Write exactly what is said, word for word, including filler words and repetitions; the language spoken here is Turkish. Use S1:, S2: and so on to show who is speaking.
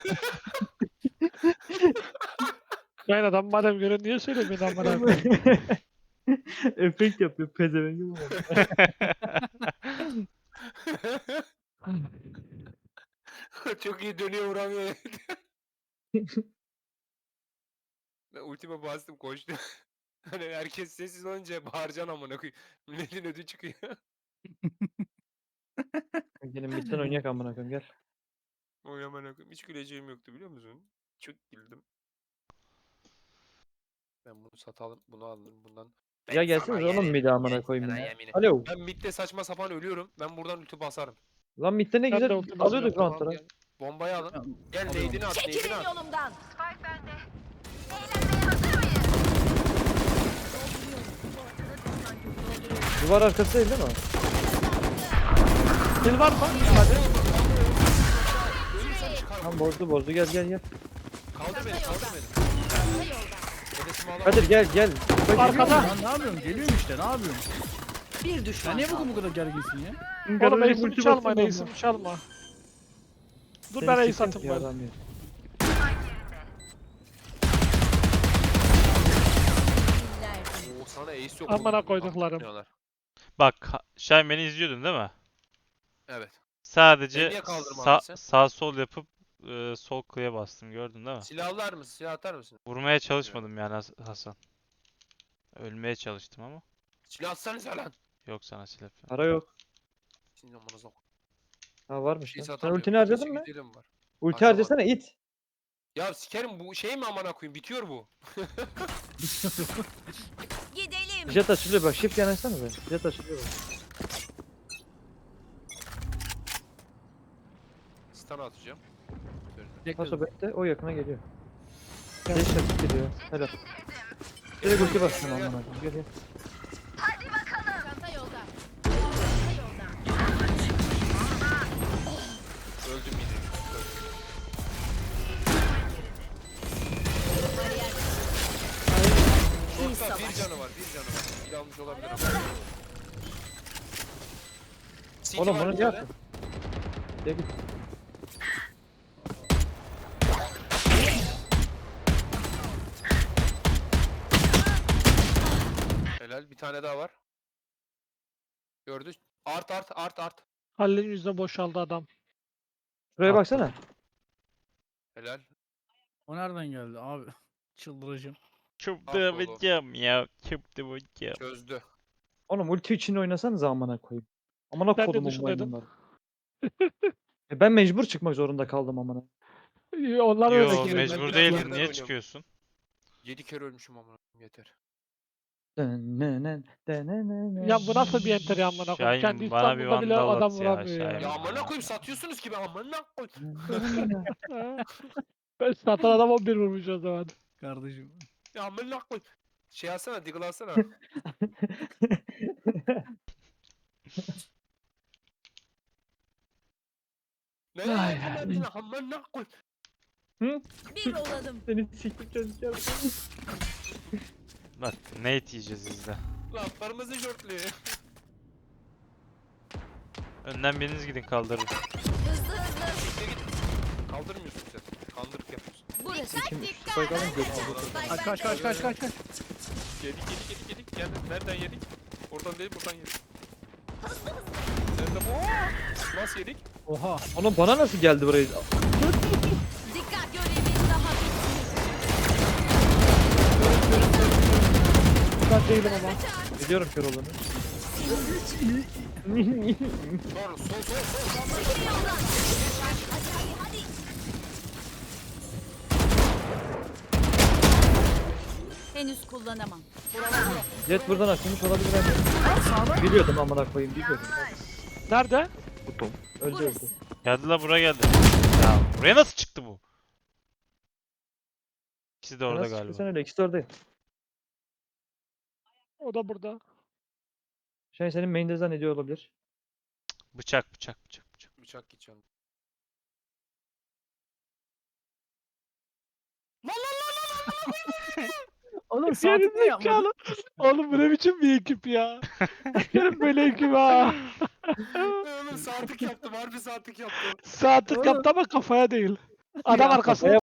S1: Yani adam madem göre niye söylemiyorsun amına koyayım?
S2: Efekt yapıyor pezevenk bu.
S3: Çok iyi dönüyor vuramıyor. Ben ultime bastım koştum. Hani herkes sessiz olunca bağıracaksın amına koyayım. Milletin ödü çıkıyor.
S2: Gelin midden oynayak amına koyayım gel.
S3: Oy amına koyayım. Hiç güleceğim yoktu biliyor musun? Çok güldüm. Ben bunu satalım, bunu aldım bundan. Ben
S2: Ya
S3: sana
S2: gelseniz oğlum
S3: yerim,
S2: midi amına
S3: ben
S2: koyayım
S3: sana
S2: ya.
S3: yeminim.
S2: Alo.
S3: Ben midde saçma sapan ölüyorum. Ben buradan ulti basarım.
S2: Lan midde ne
S1: Ben de
S2: güzel
S1: ulti
S2: alıyorduk
S1: basıyorum.
S3: Tamam
S2: roundları.
S3: gel. Bombayı alın.
S4: Tamam,
S3: Gel
S4: alıyorum.
S3: neydini at, neydini
S5: Çekilin
S3: at.
S5: yolumdan.
S2: Duvar arkası değil değil mi?
S1: Sil var mı? Hadi.
S3: Ölürsem çıkarım.
S2: Lan bozdu bozdu gel gel gel.
S3: Kaldır beni, kaldır beni. Hedefimi alamam.
S2: Kadir gel gel. Bak,
S1: Arkada.
S4: Lan ne yapıyorsun? Geliyorum işte ne yapıyorsun?
S5: Bir
S4: Sen
S5: düşman
S4: niye
S5: kaldı.
S4: bugün bu kadar gerginsin ya?
S1: Oğlum
S2: Garajı
S1: ace'imi
S2: ulti
S1: çalma,
S2: basayım
S1: ace'imi çalma. Dur
S2: Seni
S1: ben ace
S2: sikeyim
S1: atayım
S2: ya
S1: ben.
S2: adam ya.
S3: Oo sana ace yok.
S1: Amına
S3: oğlum.
S1: koyduklarım.
S3: Atmıyorlar.
S6: Bak ha- Şahin beni izliyordun değil mi?
S3: Evet.
S6: Sadece
S3: niye kaldırmadın
S6: sağ,
S3: sen?
S6: sağ sol yapıp e, sol klıya bastım gördün değil mi?
S3: Silahlar mısın? Silah atar mısın?
S6: Vurmaya çalışmadım yani Has- Hasan. Ölmeye çalıştım ama
S3: Silah atsanıza lan.
S6: yok sana silah falan.
S2: Para yok.
S3: Şimdi amanıza bak.
S2: Ha varmış
S3: Şey
S2: lan. Sen
S3: satamıyorum.
S2: ultini harcadın
S3: Keşke
S2: mı?
S3: gidelim var.
S2: Ulti
S3: Harcamadım.
S2: harcasana it.
S3: Ya sikerim bu şey mi amına koyayım? Bitiyor bu.
S5: Gidelim.
S2: Jet açılıyor bak shift yanaşsana be. Jet açılıyor bak.
S3: Stun atacağım.
S2: Paso bekle o yakına geliyor. Geç çabuk geliyor. Helal. Direkt ulti bastın amına koyayım. Gel gel.
S5: Çanta yolda. Çanta yolda.
S3: Öldüm yine.
S5: İyi
S3: Şortta bir
S5: savaş.
S3: canı var, bir canı var. Bir almış olabilir ama. City
S2: Oğlum
S3: var
S2: bunu
S3: bir
S2: niye
S3: tane.
S2: attın? Gel git.
S3: Helal, bir tane daha var. Gördü. Art art art art.
S1: Halil'in yüzüne boşaldı adam.
S2: Şuraya
S6: Attım.
S2: baksana.
S3: Helal.
S4: O nereden geldi abi? Çıldıracağım.
S6: Çıldıracağım ya. Çıldıracağım.
S3: Çözdü.
S2: Oğlum ulti için oynasanız amına koyayım. Amına
S1: Ben de
S2: kodumun
S1: dışındaydım.
S2: maymunları. E ben mecbur çıkmak zorunda kaldım amına.
S1: İyi, Onlar öyle
S6: Yo
S1: ki.
S3: Ben
S6: mecbur
S3: biraz
S6: değilim.
S3: geriden
S6: Niye
S3: oynuyorum.
S6: çıkıyorsun?
S3: Yedi kere ölmüşüm amına koyayım, yeter.
S2: Dönenen, dönenen.
S1: Ya bu nasıl bir enter ya amına koyayım? Kendi
S6: Şahin bana bir
S1: İstanbul'da bile
S6: vandal
S1: adam
S6: at ya,
S1: vuramıyor ya.
S6: Şahin.
S3: Ya amına koyayım satıyorsunuz ki ben amına koyayım.
S1: Ha? Ben satan adam on bir vurmuş o zaman.
S4: Kardeşim.
S3: Ya amına koyayım. Şey alsana, diggle alsana. Ne
S2: Ay,
S3: yapıyorsun amına koyayım.
S5: Bir olalım.
S2: Seni siktik çocuk
S6: Bak Nate yiyeceğiz izle.
S3: Lan kırmızı şortlu.
S6: Önden biriniz gidin kaldırın.
S5: Hızlı hızlı.
S3: Git git. Kaldırmıyorsun sen. Kandırık yapıyorsun.
S5: Burası.
S2: Kim soygalım götürdü.
S4: Kaç kaç kaç kaç kaç kaç.
S3: Yedik yedik yedik yedik. Gel nereden yedik? Oradan değil buradan yedik. Nerede bu? Nasıl yedik?
S4: Oha.
S2: Oğlum bana nasıl geldi buraya?
S5: Dikkat görevimiz daha
S1: Ben değilim ama.
S2: Biliyorum kör olanı.
S3: Doğru sol sol sol.
S5: bitmiyor. Yoldan. Hadi hadi hadi. Henüz kullanamam.
S2: Jet buradan açılmış olabilir ama. Biliyordum amına koyayım biliyordum.
S1: Nerede?
S2: Öldü öldü.
S5: Burası.
S6: Geldi la buraya geldi. Ya buraya nasıl çıktı bu? İkisi de orada
S2: Nasıl
S6: galiba.
S2: çıktı sen öyle ikisi de oradayım.
S1: O da burada.
S2: Şey senin main'de zannediyor olabilir.
S6: Bıçak bıçak bıçak bıçak.
S3: Bıçak gideceğim.
S4: Oğlum saatlik mi yapmadın?
S1: Gerizekalı. Oğlum bu ne biçim bir ekip ya? Benim böyle ekip ha.
S3: Oğlum saatlik yaptım harbi saatlik yaptım.
S1: Saatlik
S2: Oğlum.
S1: yaptı ama kafaya değil. Adam
S2: Ya,
S1: arkası.
S2: kafaya